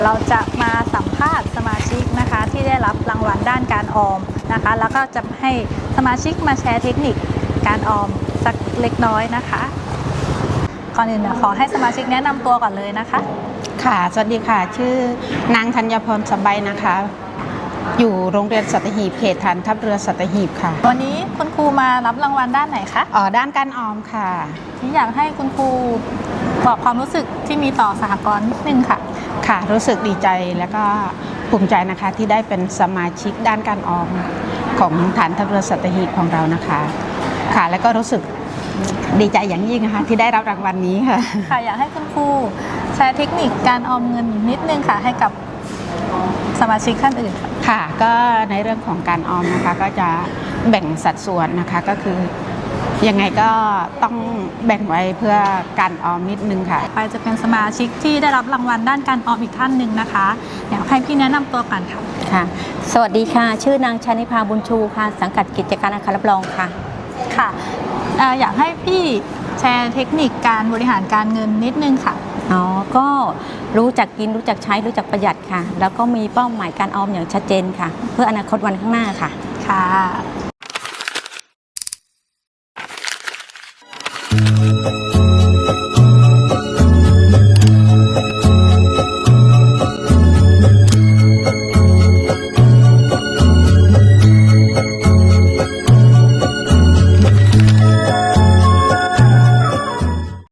เราจะมาสัมภาษณ์สมาชิกนะคะที่ได้รับรางวัลด้านการออมนะคะแล้วก็จะให้สมาชิกมาแชร์เทคนิคการออมสักเล็กน้อยนะคะก่อนอื่นขอให้สมาชิกแนะนำตัวก่อนเลยนะคะค่ะสวัสดีค่ะชื่อนางธัญพรสบายนะคะอยู่โรงเรียนสัตหีบเขตฐานทัพเรือสัตหีบค่ะวันนี้คุณครูมารับรางวัลด้านไหนคะด้านการออมค่ะที่อยากให้คุณครูบอกความรู้สึกที่มีต่อสหกรณ์นิดนึงค่ะค่ะรู้สึกดีใจและก็ภูมิใจนะคะที่ได้เป็นสมาชิกด้านการออมของฐานทัพเรือสัตหีบของเรานะคะค่ะแล้วก็รู้สึกดีใจอย่างยิ่งนะคะที่ได้รับรางวัลนี้ค่ะค่ะอยากให้คุณครูแชร์เทคนิคการออมเงินนิดนึงค่ะให้กับสมาชิกท่านอื่นค่ะก็ในเรื่องของการออมนะคะก็จะแบ่งสัดส่วนนะคะก็คือยังไงก็ต้องแบ่งไว้เพื่อการออมนิดนึงค่ะไปจะเป็นสมาชิกที่ได้รับรางวัลด้านการออมอีกท่านหนึ่งนะคะอยากให้พี่แนะนำตัวก่อนค่ะค่ะสวัสดีค่ะชื่อนางชนิภาบุญชูค่ะสังกัดกิจการอาคารรับรองค่ะค่ะอยากให้พี่แชร์เทคนิคการบริหารการเงินนิดนึงค่ะก็รู้จักกินรู้จักใช้รู้จักประหยัดค่ะแล้วก็มีเป้าหมายการออมอย่างชัดเจนค่ะเพื่ออนาคตวันข้างหน้าค่ะค่ะ